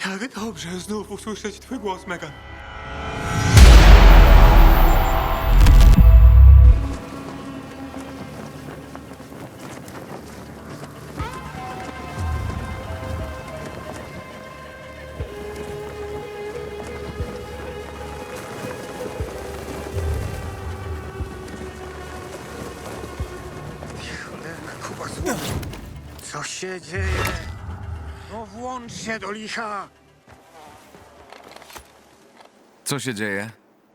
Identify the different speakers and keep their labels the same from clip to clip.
Speaker 1: Jak dobrze znów usłyszeć twój głos, Megan.
Speaker 2: Cholera, Kuba złomu. Co się dzieje? No włącz się do licha!
Speaker 3: Co się dzieje?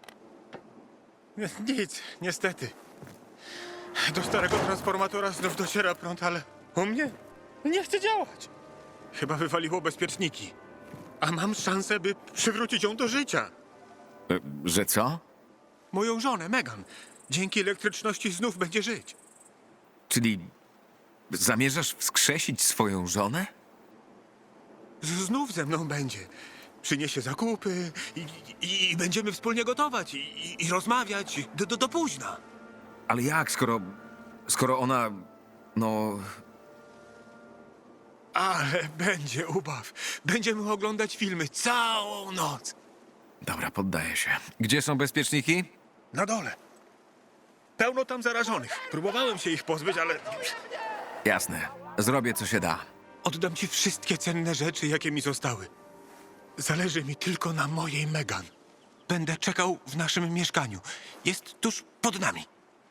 Speaker 1: Nic, niestety. Do starego transformatora znów dociera prąd, ale u mnie nie chce działać. Chyba wywaliło bezpieczniki. A mam szansę, by przywrócić ją do życia.
Speaker 3: Że co?
Speaker 1: Moją żonę, Megan. Dzięki elektryczności znów będzie żyć.
Speaker 3: Czyli zamierzasz wskrzesić swoją żonę?
Speaker 1: Znów ze mną będzie. Przyniesie zakupy i będziemy wspólnie gotować i rozmawiać do późna.
Speaker 3: Ale jak, skoro ona... no...
Speaker 1: Ale będzie ubaw. Będziemy oglądać filmy całą noc.
Speaker 3: Dobra, poddaję się. Gdzie są bezpieczniki?
Speaker 1: Na dole. Pełno tam zarażonych. Próbowałem się ich pozbyć, ale
Speaker 3: Jasne. Zrobię, co się da.
Speaker 1: oddam ci wszystkie cenne rzeczy, jakie mi zostały. Zależy mi tylko na mojej Megan. Będę czekał w naszym mieszkaniu. Jest tuż pod nami.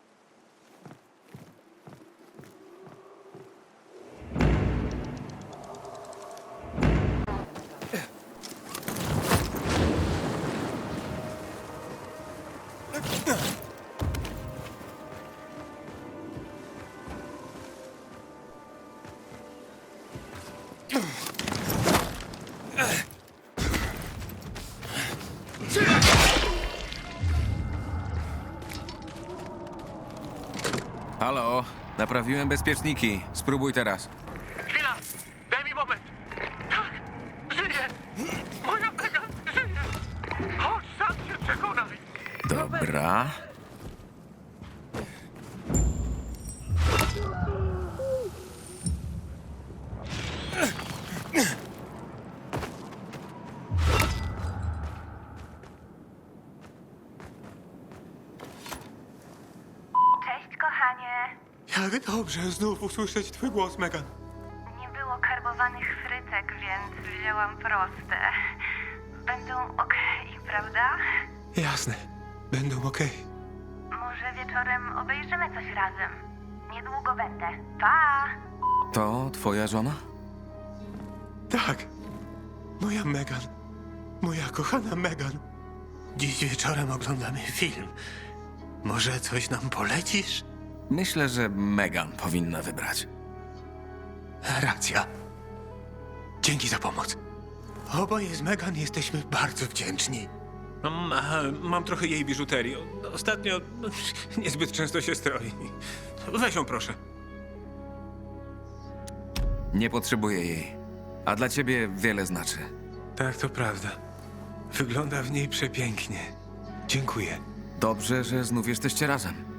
Speaker 3: Halo, naprawiłem bezpieczniki. Spróbuj teraz.
Speaker 1: Chwila! Daj mi moment! Tak! Żyje! Moja Megan żyje! Chodź, sam się przekonaj!
Speaker 3: Dobra.
Speaker 4: Cześć, kochanie.
Speaker 1: Jak dobrze znów usłyszeć twój głos, Megan.
Speaker 4: Nie było karbowanych frytek, więc wzięłam proste. Będą okej, prawda?
Speaker 1: Jasne. Będą okej.
Speaker 4: Może wieczorem obejrzymy coś razem. Niedługo będę. Pa!
Speaker 3: To twoja żona?
Speaker 1: Tak. Moja Megan. Moja kochana Megan. Dziś wieczorem oglądamy film. Może coś nam polecisz?
Speaker 3: Myślę, że Megan powinna wybrać.
Speaker 1: Racja. Dzięki za pomoc. Oboje z Megan jesteśmy bardzo wdzięczni. Mam trochę jej biżuterii. Ostatnio niezbyt często się stroi. Weź ją, proszę.
Speaker 3: Nie potrzebuję jej. A dla ciebie wiele znaczy.
Speaker 1: Tak, to prawda. Wygląda w niej przepięknie. Dziękuję.
Speaker 3: Dobrze, że znów jesteście razem.